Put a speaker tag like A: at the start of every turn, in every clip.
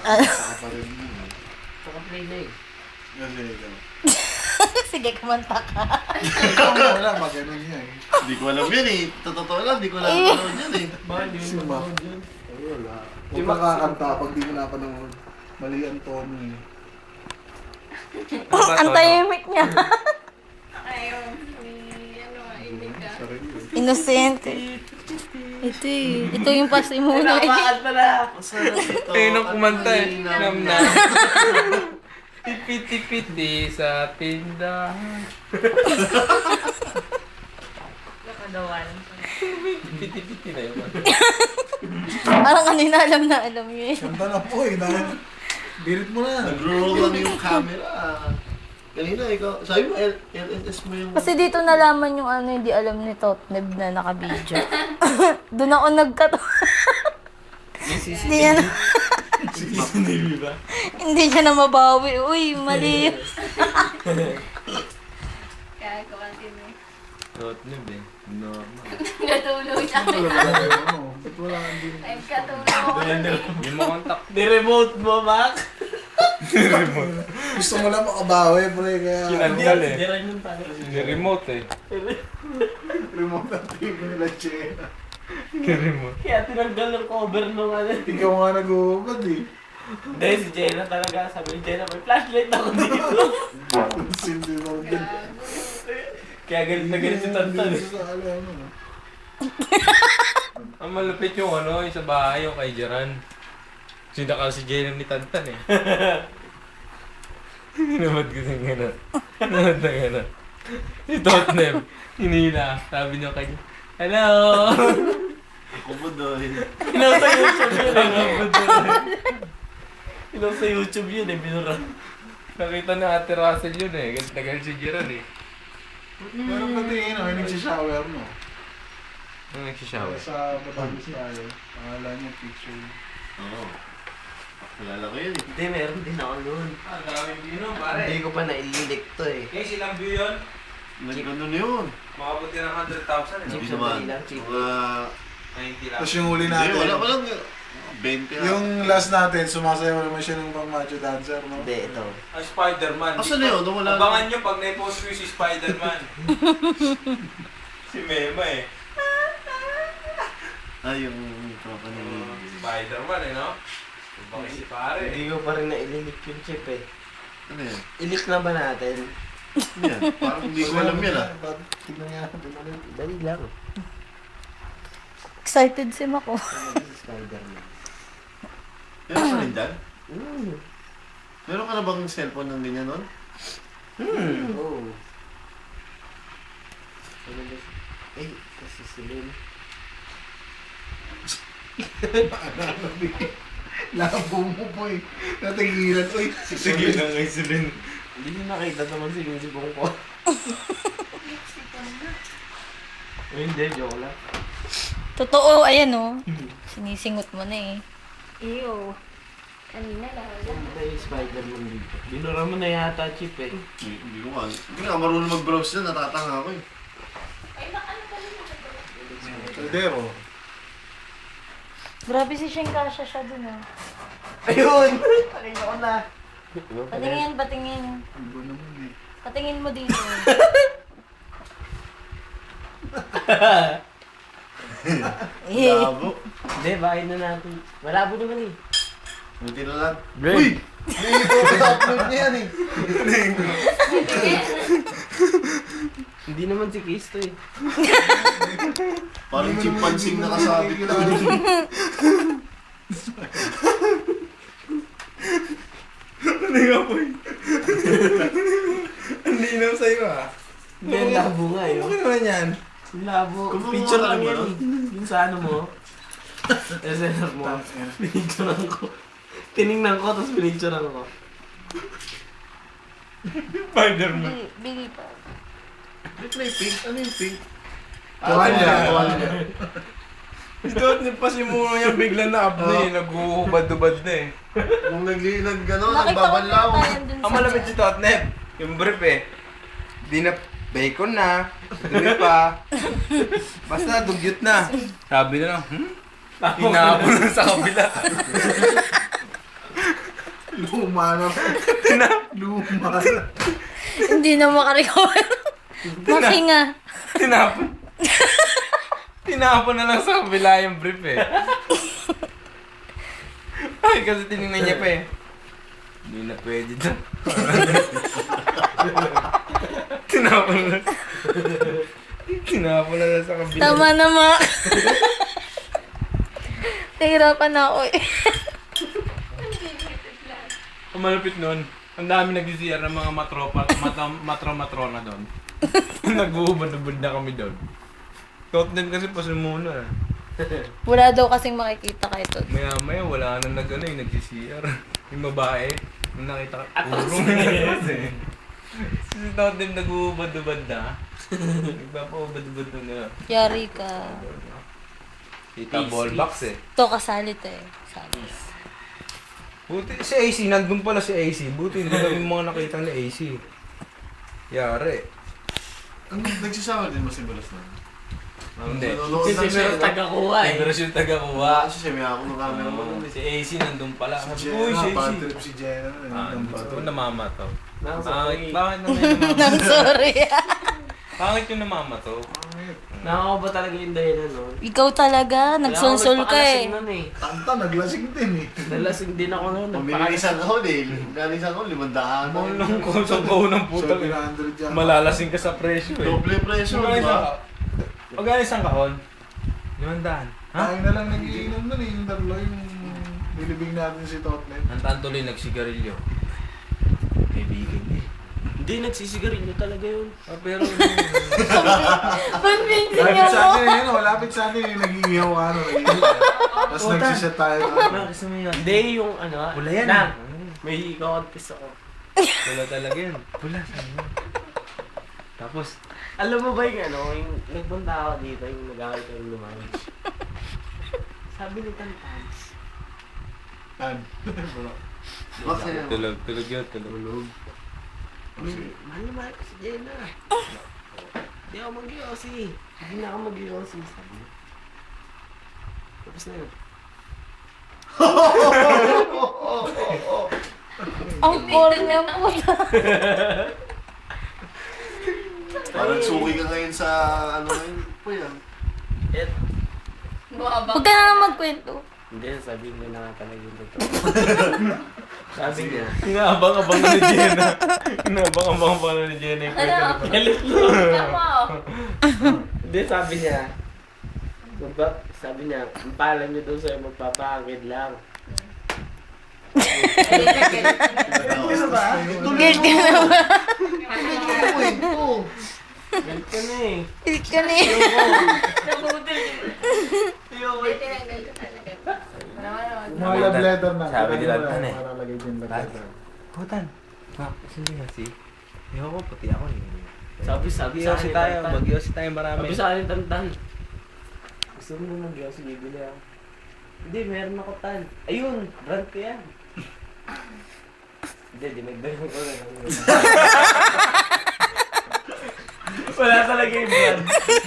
A: Saka pa rin mo.
B: Saka play na eh.
A: Kasi ikaw.
C: Sige, kumanta ka.
A: Ikaw wala, maganon niya eh.
D: Hindi ko alam yan eh. Totoo lang, hindi ko alam yan eh.
B: Bakit di
A: Si
B: mo
A: Mac.
B: manood yun?
A: Wala. Huwag ka kakanta pag di mo napanood. Mali ang tono eh.
C: Ang tahimik niya.
E: Ayun, inig ka.
A: Sarili eh.
C: Innocent. Ito eh. Ito yung pasimuna eh.
B: Napakaan pala!
D: Masarap ito.
F: Kayo nung kumanta eh.
D: Nam
F: Nam na. Tipit-tipiti sa tindahan.
E: Nakadawan.
F: Tipit-tipiti na yun.
C: Parang kanina alam niyo eh.
A: Kanta na po eh. Dahil birit mo na.
D: Nag-roll lang yung camera. Kanina ikaw, sabi mo, LNS mo yung...
C: Kasi dito nalaman yung ano, hindi alam ni Totneb na nakabidyo. Doon ako nagkatawa. Hindi niya na,
F: Sinibi ba?
C: hindi niya na mabawi. Uy, mali.
E: Kaya continue.
F: Totnib eh. Normal.
E: Natulog siya.
A: Ano? Ba't wala hindi?
E: Time ka tulog.
F: Hindi mo kontak.
B: Ni-remote mo, Mac!
A: Gusto mo lang makabawi, pre. Kaya
F: Kinandal eh.
B: Diran yung tayo.
F: Ni-remote eh.
A: remote ang TV nila, Che.
F: Ni-remote.
B: Kaya tinanggal ng cover nung ano.
A: Ikaw nga nag-uubad eh.
B: Hindi, si Jenna talaga. Sabi ni Jenna, may flashlight ako dito.
A: Sindi mo din.
B: Kaya galit na galit si Tantan eh.
A: Sa ano.
F: Ang malupit yung ano, yung sa bahay, yung kay Jeran. Sinakal si Jalen ni Tantan eh. Hinamad ko siyang gano'n. Hinamad na gano'n. Si Totnem, hinila. Sabi niya kanya, hello!
D: Ako mo doon.
B: Inaw sa YouTube yun eh. Inaw sa YouTube yun eh, binura.
F: Nakita na Ate Russell yun eh. Galit na galit si Jeran eh.
A: Meron pa tingin, may nagsishower mo.
F: Ano nagsishower?
A: Sa Batangas tayo. Pangalan niya, picture.
D: Oo. Kilala ko yun eh.
B: Hindi, meron din ako noon.
F: Ah, daming binom
B: Hindi ko pa naililik to eh.
F: Eh, silang view yun?
D: Nag-ano na yun.
F: Makabuti ng 100,000 eh.
B: Cheap
D: Hindi
B: sa
D: naman.
B: Manila, cheap.
D: Mga...
F: 90 lang.
A: Tapos yung huli
D: Hindi,
A: natin.
D: walang 20 na.
A: Yung last natin, sumasayaw naman siya ng pang macho dancer, no?
B: Hindi, ito.
F: Ang Spider-Man.
D: Asan na yun? Wala
F: Abangan nyo pag na-post ko yung si Spider-Man. Si Mema eh.
D: Ay, yung tropa ni...
F: Spider-Man eh, no? Bakit si pare eh.
B: Hindi ko pa rin naililik yung chip eh.
D: Ano yan?
B: Ilik na ba natin?
D: Ano yan? Parang hindi ko alam yan ah.
A: Tignan nga natin ulit.
B: Dali lang.
C: Excited si Mako.
B: Ano si Spider-Man?
D: Meron ka rin dyan?
B: Hmm.
D: Meron ka na bang cellphone ng ganyan nun?
B: Oo. Ano ba si... Eh, kasi si Lynn.
A: Labo mo po eh. Natigilan. Uy,
F: Sige lang kay Celine.
B: Hindi niyo nakita naman si Lucy Bongko. Eh, hindi, joke lang.
C: Totoo, ayan oh. Sinisingot mo na eh.
E: Ew. Kanina lang.
B: Punta yung Spider-Man dito. Binura mo na yata, Chip eh.
D: Hindi ko nga. Hindi nga marunong mag-browse na. Natatanga ako eh.
E: Ay, baka ano pala yung
A: Caldero.
C: Grabe si Sheng Kasha siya dun ah.
B: Ayun! Pakita ko na.
C: Patingin.
A: Iba naman eh.
C: Patingin mo dito. Eh,
D: Labo.
B: Hindi, bahay na natin. Malabo naman eh.
D: Buti na lang.
B: Uy!
A: Hindi ko sa-upload niya yan eh.
B: Hindi naman si Kiss to eh.
D: Parang chimpansing nakasabit na.
F: Hindi nga po eh. Ang linaw sa'yo ah.
B: Hindi, ang labo nga eh.
F: Ano naman yan?
B: Ang labo.
D: Kumuha
B: Picture
D: ka
B: lang
D: ba
B: yan
D: nun?
B: eh. Yung sa ano mo. SNR mo. Pinicturean ko. Tiningnan ko, tapos pinicturean ko.
F: Spider-Man.
C: bili pa.
D: May pink. Ano yung pink?
A: Tuwalya.
D: Tuwalya.
F: Ito, pasimula niya bigla na up na eh. Nag-uhubad-ubad na eh.
D: Nung nag-ano,
C: Nakita ko
D: nagbabanlaw.
C: na tayo dun
F: Ang malapit si Totneb. Yung brief eh. Di na bacon na. Dumi pa. Basta dugyot na. Sabi na lang, Hinapon na sa kabila.
A: Luma na. Luma na.
C: Hindi na makarecover. Makinga.
F: Tinapon. Tinapon na lang sa kabila yung brief eh. Ay, kasi tinignan niya pa eh. Hindi na pwede doon. Tinapon na. Tinapon na lang sa kabila.
C: Tama na, ma. Nahirapan na ako eh.
F: Ang malupit nun, ang dami nag-CR ng mga matrona doon. Nag-uubad-ubad na kami doon. Tot din kasi pasimuna eh.
C: Wala daw kasing makikita kay Tot.
F: Maya-maya wala nang nag-CR. Yung babae, nung nakita ka, urong. Si Tot din nag-uubad-ubad na. Nagpapaubad-ubad na.
C: Yari ka.
F: Kita ball box eh.
C: To kasalit eh. Sabi.
F: Buti si AC, nandun pala si AC. Buti hindi kami mga nakita ni AC. Yari.
D: Nagsasama din mo si Balas na?
F: Hindi.
D: Nanonood
B: Si
D: lang siya.
B: Simero tagakuha eh.
F: Pero siya taga-kuha.
D: Kasi siya may ako ng camera mo.
F: Si AC nandun pala.
A: Si
F: Sabi ko, uy, si
A: Jenna,
F: AC.
A: bad trip si Jenna.
F: Ito namama to.
B: Sorry.
F: Bakit naman yung namama?
C: Nang sorry.
F: Bakit yung namama to?
B: Nakaka ba talaga yung dahilan nun?
C: Ikaw talaga. Nagsulsul ka eh.
B: Nun eh.
A: Tanta, naglasing din eh.
B: Nalasing din ako nun.
D: Pumili isang kahon eh. Galing isang kahon, 500.
F: Maulong ko sa baon ng putang.
A: 700 yan.
F: Malalasing ka sa presyo eh.
D: Doble presyo,
F: Magkano
D: di ba?
F: Magkano isang kahon? 500. Ha?
A: Tayo na lang nagiinom nun eh. Yung dalawa yung nilibing natin si Totnet.
F: Ang tantuloy nagsigarilyo. Kaibigan niya.
B: Hindi, nagsisigarilyo talaga yun.
F: Pero
C: Convincing
A: Lapit sa
C: ako.
A: atin eh, no? Lapit sa atin yung nag-iihaw ano. Tapos nagsisya tayo.
F: gusto mo yun?
B: Hindi, yung ano.
F: Pula yan.
B: Nang, may ikaw-confess ako.
F: Pula talaga yun. Pula, saan yun? Tapos,
B: Alam mo ba yung ano, yung nagpunta ako dito, yung nag-away ko yung lumang. Sabi ni Tantan,
A: Tan.
D: Bakit?
F: tulog yun, tulog.
B: mahal na mahal ko si Jenna. Hindi ako mag-iossi. Hindi na ako mag-iossi, sabi niya. Tapos na yun.
C: Ang boring niya po.
D: Parang suki ka ngayon sa ano ngayon. Po yan.
B: Et,
C: Huwag ka na magkwento.
B: hindi, sabi niya na nga talaga yung totoo. Sabi niya,
F: Inaabang-abang na ni Jenna. Inaabang-abang pa na ni Jenna yung kwento ni Pala.
B: galit mo.
E: Tama oh.
B: Hindi, sabi niya, sabi niya, ang pala niyo daw sa'yo magpapakid lang.
C: Guilty ka na ba?
B: Galit ka na eh.
C: Guilty ka na eh.
E: Nabudol. Hindi, tinanggal ko talaga. Naman.
A: Mga love letter na.
F: Sabi nila, Tan eh.
A: Para lagay din love letter.
F: Putan. Sino nga si? Ewan ko, pati ako eh.
B: Sabi
F: Mag-iossi tayo. Mag-iossi tayo marami.
B: Sabi sa akin, Tantan. Gusto mo na mag-iossi, bibili ako. Hindi, meron ako tan. Ayun, brand ko yan. Hindi, dinagdagan ko na lang. Wala talaga yung brand.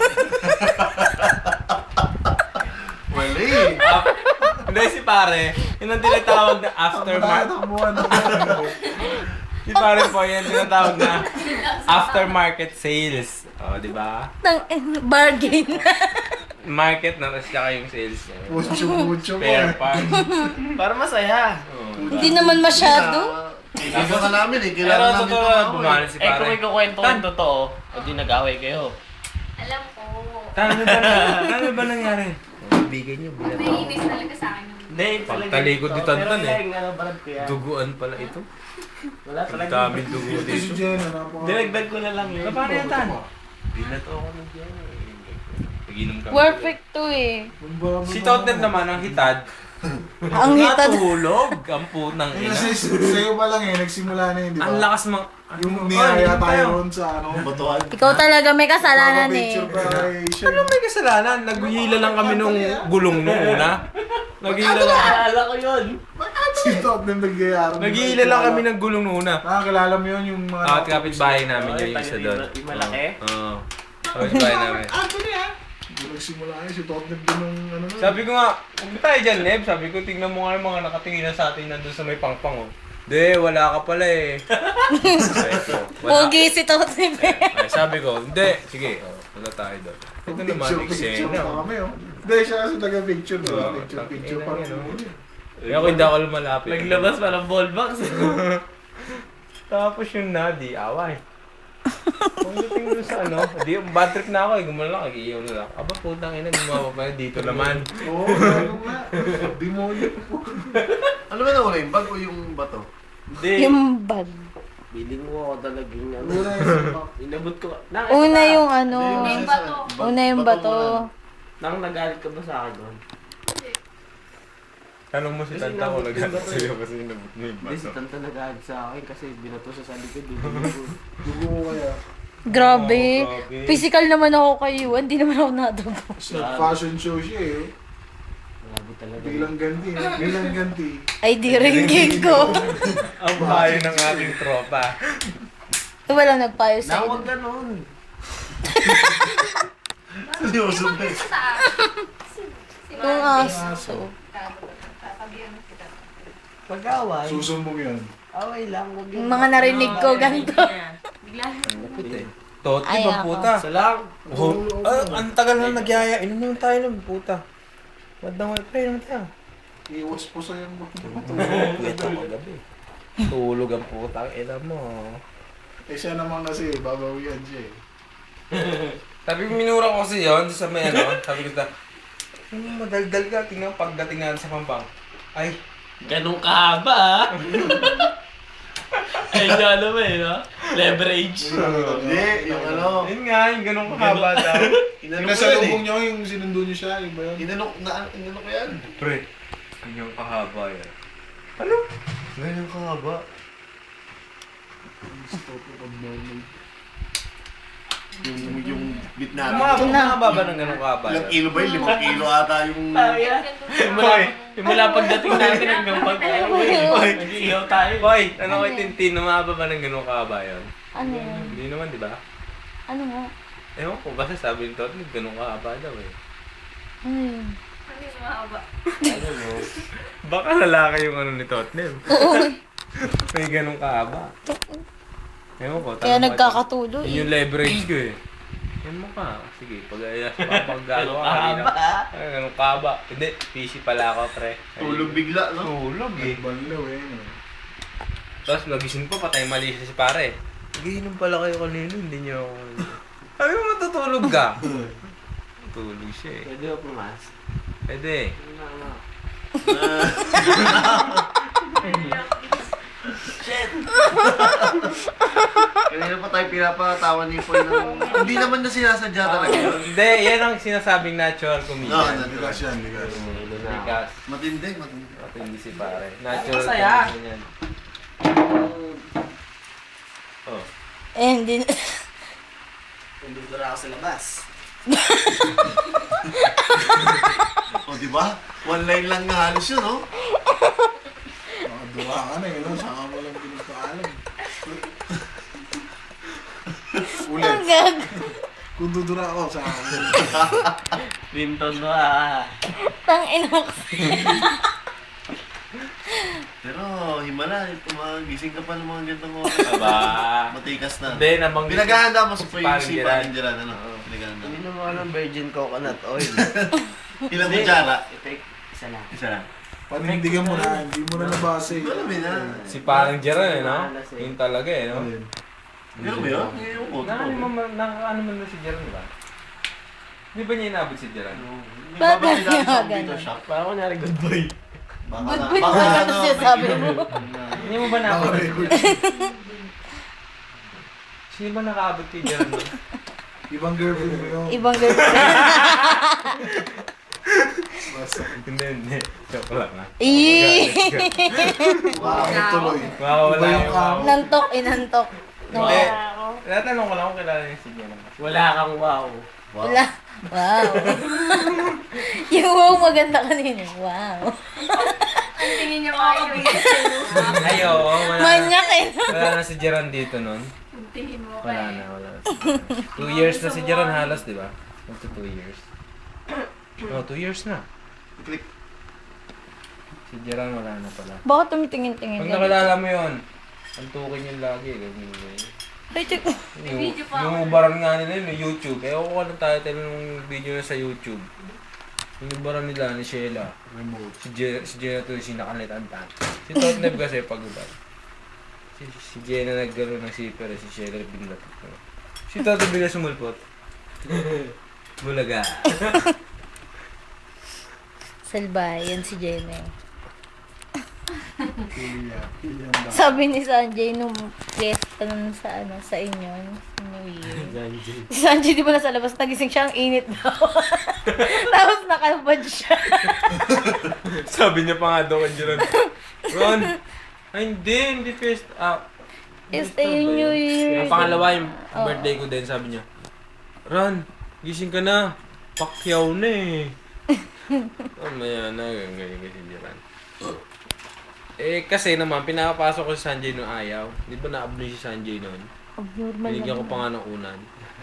D: Wala eh.
F: Hindi si pare, yun ang tinatawag na aftermarket.
A: Takbuhan na.
F: Si pare po, yan tinatawag na aftermarket sales. O, di ba?
C: Bargain.
F: Market na, tapos tsaka yung sales niya.
A: Mucho mo
F: Spare
A: eh.
F: parts.
B: Para masaya.
F: Oo,
C: Hindi naman masyado.
D: Kailangan ka namin eh.
F: Pero
D: Kailangan namin
F: totoo
D: ito
F: na,
D: ako
F: bumali
D: eh.
F: si
B: Eh, kung
F: pare.
B: ikukwento ko yung totoo, o di nag-away kayo.
E: Alam ko.
F: Ano ba nangyari? Bigay niyo, bilat
E: May inis talaga sa akin.
B: Hindi, talaga.
F: Pagtalikod ni Tantan
B: Pero
F: eh.
B: yung ano, brand ko yan.
F: Duguan pala ito.
B: Wala
F: Ang
B: talaga.
F: daming dugo
A: Ito si
F: dito.
A: Jenna. napaka-
B: Dinagdag ko na lang yun.
F: Paano yan, Tan? Binato ako ng Diyan. Naginom kami.
C: Perfect to eh.
F: Si Totnet naman ang hitad.
C: Ang hitad.
F: Natulog ang putang
A: Eh,
F: ina.
A: kasi sa'yo pa lang eh. Nagsimula na yun, di ba?
F: Ang lakas mang...
A: Yung niyaya tayo ron sa ano.
D: Batuan.
C: Ikaw talaga may kasalanan eh.
A: Picture ba kay Shem?
F: Ano may kasalanan? Naghihila lang kami nung gulong nung una. Naghihila lang.
B: Naalala ko yun.
A: Si Totnet nagyayaro.
F: Naghihila lang kami ng gulong nung una.
A: Nakakilala mo yun yung mga...
F: At kapitbahay namin yung isa doon.
B: Yung malaki?
F: Oo. Kapitbahay namin.
A: Yung nagsimula yun, si Totnet din nung ano na.
F: Sabi ko nga, huwag tayo dyan, Leb. Sabi ko, tingnan mo nga yung mga nakatingin na sa atin nandun sa may pangpang, oh. Hindi, wala ka pala eh. Ay, ito, wala.
C: Pogi si Totnib.
F: Ay, sabi ko, hindi. Sige, wala tayo doon. Ito naman,
A: Picture
F: eksena.
A: pa kami, oh. Hindi, siya kasi taga-picture, di ba? Picture pa rin.
F: Kaya ako hindi ako lumalapit.
B: Naglabas pa ng ball box.
F: Tapos yung nadi, away. Pagdating doon sa ano, di, bad trip na ako eh, gumala lang, nag-iiyaw na lang. Aba, putang ina, gumawa pa dito naman.
A: Oo, ano nga. Demonyo po.
D: Ano ba nawala yung bag o yung bato?
F: Hindi.
C: Yung bag.
B: Biling mo ako talagang ano.
A: Una yung
B: Inabot ko.
C: Una yung ano.
E: Una yung bato.
C: Una yung bato.
B: Nang nagalit ka ba sa akin doon?
F: Tanong mo si
B: Kasi
F: Tanta ko
B: nabot
F: naghanap
B: yung bato
F: sa'yo kasi nabot mo yung
B: Hindi, si
F: baso.
B: Tanta nagalit sa akin kasi binato siya sa likod. Dugo.
A: dugo mo kaya.
C: Grabe.
F: Oh, grabe.
C: Physical naman ako kay Yuan. Di naman ako nadugo.
A: Fashion show siya eh.
B: Grabe talaga.
A: Bilang ganti, bilang ganti.
C: Ay, di ringgit ko.
F: Ang bayo ng ating tropa.
C: Walang nagpayo sa
B: Nawag
C: inyo.
B: ganun.
D: Seryoso ba?
E: Sa
C: Yung aso.
E: Tatabihan mo kita.
B: Pag-away.
A: Susumbong yun.
B: Away lang. Wag
C: Yung mga narinig ko ganito.
E: Bigla.
F: Toti
C: Ay,
F: ba
C: ako.
F: puta?
B: Isa lang.
F: Oh, ang tagal na nagyaya. Inom naman tayo ng puta. Wadang wala pa, inom tayo.
A: Iwas po sa yung
F: Ito ko gabi. Tulog ang putang ina mo.
A: Eh siya naman kasi, babawian siya eh.
F: Sabi ko, minura ko kasi yun sa may ano. Sabi ko madaldal ka. Tingnan pagdating natin sa Pampang. Ay,
B: Ganun kahaba ah. Ay, yung ano ba eh, no? Leverage.
D: Hindi, yung ano.
F: yun nga, yung ganun kahaba daw.
A: Yung
D: Inano ko yan eh.
A: nasalubong niyo, yung sinundo niyo siya, yung ba yun?
D: Inano ko yan.
F: Pre, ganyan kahaba yan.
D: Ganyan ka ba? Yung bitna.
F: Kumahaba ba ng ganun kahaba
D: Ilang
F: yan?
D: kilo ba yun? 5 kilo ata yung...
B: Simula pagdating natin hanggang nag-iihaw tayo.
F: Boy, ano kay Tintin, umahaba ba ng ganun kahaba yan?
C: Ano yun?
F: Hindi naman, di ba?
C: Ano nga?
F: Ewan ko, basta sabi nito, ganun kahaba daw eh.
C: Ano yun?
E: Ano yung mahaba?
B: Ano mo?
F: Baka lalaki yung ano ni Totnem.
C: Oo.
F: May ganun kahaba. Ewan ko,
C: Kaya
F: tanong mo
C: nagkakatuloy.
F: ito. Yun yung leverage ko eh. Yan mo ka. Sige, pag-ayas pa pag-galo ka kanina. Ay, ganun kahaba. Hindi, busy pala ako, pre. Ay,
D: Tulog bigla, no?
F: Tulog eh.
A: Banlaw eh. no?
F: Tapos nagising pa, patay mali siya si pare. Nagiinom pala kayo kanina, hindi niyo ako. Sabi mo matutulog ka. Tulog siya eh.
B: Pwede ba pumas?
F: Pwede.
D: Kanina pa tayo pinapatawa ni Poy ng... Hindi naman na sinasadya talaga yun.
F: Hindi, yan ang sinasabing natural
D: No,
F: comedian.
A: Ligas yan, ligas.
F: Because,
D: Matindi, matindi.
F: matindi si pare. Natural
B: Masaya.
F: comedian yan. Oh.
C: Eh, hindi.
B: Nandun ako sa labas.
D: O, di ba? One line lang nga halos yun, no?
A: Makadura ka na eh, no? Saka mo lang pinagpaalam. Ulit.
C: Ang gag.
A: Kung dudura ako, saka mo.
B: Winton mo ah.
C: Tang ina ko.
D: Pero, himala, gising ka pa ng mga gantong oras.
F: Aba.
D: Matikas na.
F: Hindi, nabanggit.
D: Pinaghahanda mo sa Poy yung
F: Parang
D: si
F: Gerard.
D: Panindiran, ano? Pinaghahanda.
B: Hindi mo ng virgin coconut oil.
D: Ilang kutsara?
B: Isa lang.
D: Isa lang.
A: Panindigan mo na, hindi mo na nabasa eh.
D: Alam mo na.
F: Si parang Jeron eh, no? Yun talaga eh, no?
A: Ano yun?
D: Pero ba yun? Yung koto.
F: Nakakaano man na si Jeron, di ba? Di ba niya inabot si Jeron?
C: Bakit
D: Babalik natin sa
C: ganun?
D: computer shop.
B: Parang kunyari good boy.
D: Baka
C: Good
D: na-
C: boy
D: baka
C: naman
D: ano,
C: ano sinasabi
D: may-
C: mo.
F: Hindi mo ba naabot?
A: Naka-record.
F: Sino ba nakaabot kay Jeron? no?
A: Ibang girlfriend mo yun.
C: Ibang girlfriend.
A: Basta.
F: Hindi. Joke lang ha.
C: Ih!
A: Bakit tuloy?
F: Makawala
A: Iba yung
F: yung
A: kamo.
C: Nantok, inantok. No.
F: Hindi. Natanong ko lang kung kilala niya si Jeron.
B: Wala kang wow.
C: Wala. Wow. Yung wow maganda kanina. Wow.
E: Ang tingin niya makikita.
F: Ay, oo.
C: Manyak eh.
F: Wala na si Jeron dito nun.
E: Ang tingin mo
F: Wala
E: kay.
F: na. 2 years na si Jeron halos, di ba? Magto 2 years. No, 2 years na.
D: Click.
F: Si Jeran wala na pala.
C: Bakit tumitingin-tingin
F: Pag
C: ka?
F: nakilala mo yun, antukin yun lagi. Ganun yun.
C: Ay, check.
E: video pa ako.
F: Yung ubaran nga nila yun, yung YouTube. Eh, ako ng title ng video na sa YouTube. Yung ubaran nila ni Sheila.
A: Remote.
F: Si Jenna to yung nakalitantan. Si Totneb kasi pag-ubad. Si Jenna naggaro ng zipper, si Sheila bigla. Si Totneb bigla sumulpot. Bulaga.
C: Salbay, yan si Jenny.
A: Pilya ang
C: Sabi ni Sanjay nung fiesta nun sa sa inyo, New Year. Si Sanjay di ba nasa labas, nagising siya, ang init daw. Tapos nakalabad siya.
F: Sabi niya pa nga daw kay Jeron. Ron, ay hindi fiesta.
C: Fiesta yung New Year.
F: Ang pangalawa yung
C: Oo.
F: birthday ko din, sabi niya. Ron, gising ka na. Pakyaw na eh. Maya na, ganyan kasi Jeron. Eh, kasi naman, pinapasok ko si Sanjay nung ayaw. Di ba na-abli si Sanjay noon?
C: Abnormal
F: Binigyan ko
C: naman.
F: pa nga ng unan.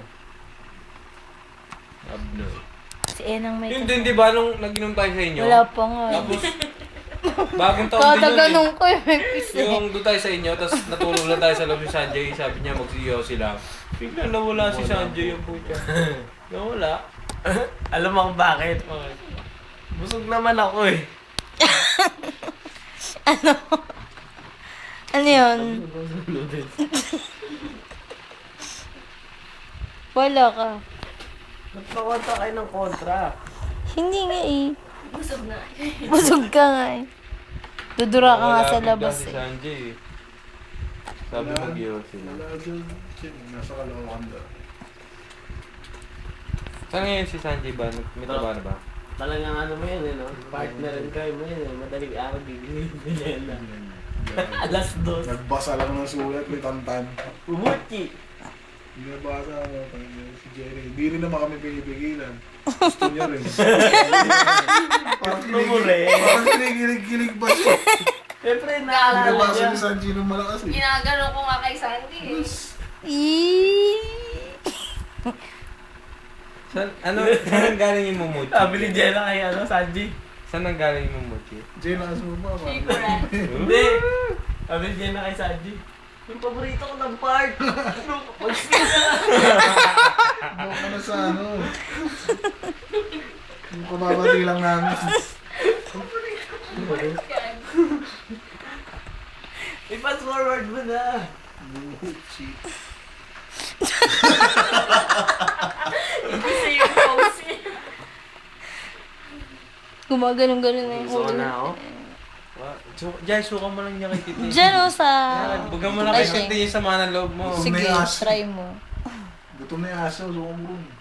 F: Abnoy.
C: Si Enang may
F: Yun din, di ba, nung nag-inom tayo sa inyo?
C: Wala pa nga.
F: Tapos, bagong taon din
C: Kada
F: yun
C: ganun ko yung kiss
F: eh.
C: eh.
F: Yung doon tayo sa inyo, tapos natulog lang tayo sa loob ni Sanjay. Sabi niya, magsiyaw sila. Bigla nawala si Sanjay yung puta. Nawala.
B: Alam mo kung bakit? Busog naman ako eh.
C: Ano yun? Wala ka.
B: Nagpakanta kayo ng kontra.
C: Hindi nga eh.
E: Busog na.
C: Busog ka nga eh. Dudura ka nga
F: Nawala
C: sa
F: bigla
C: labas
F: si
C: eh.
F: Sanjay eh. Sabi mag-iyaw sila.
A: Wala dyan. Nasa Caloocan daw.
F: Saan ngayon si Sanjay ba? May trabaho na ba?
B: Talagang ano mo yun eh, no? Partnerin kayo mo yun eh. Madaling araw bibigyan na. Alas 2.
A: Nagbasa lang ng sulat, may tantan.
B: Umuchi.
A: Binabasa mo, si Jerry. Hindi rin naman kami pinipigilan. Gusto niya rin. Parang Parang kinikilig-kilig ba siya?
B: Siyempre, naalala
A: Binabasa
B: niya.
A: ni Sanji ng malakas eh.
E: Ginagano ko nga kay Sandy eh.
F: Saan ang galing yung mumuchi?
B: Sabi ni Jenna kay ano, Sanji.
F: Saan ang galing yung mumuchi?
A: Jay, lakas mo ba?
E: Figuran.
B: Hindi. Sabi ni Jenna kay Sanji. Yung paborito ko ng part.
A: Doon ka na sa ano. Yung kumabati lang namin.
B: I-fast forward mo na.
A: Buchi.
E: Gusto yung pose eh.
C: Gumaganon-ganon na yung
B: Gusto ko
C: ulo.
B: na ako.
F: Jai, suka mo lang niya kay Titi.
C: Diyan o sa...
F: Buga mo lang
C: Ay,
F: kay Titi yung sama ng loob mo.
C: Sige,
A: May aso.
C: try mo.
A: Gutom na yung aso, suko mo rin.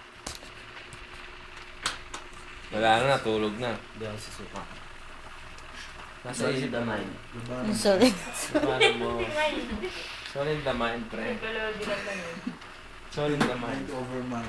F: Wala na, natulog na.
B: Hindi ako susuka.
F: Nasa isip
B: the
F: naman.
B: mind.
A: Labanan.
C: Sorry.
B: Paano mo?
F: Solid the mind, pre.
E: Nagkalodi lang lang eh.
F: Solid the mind.
A: Mind over man.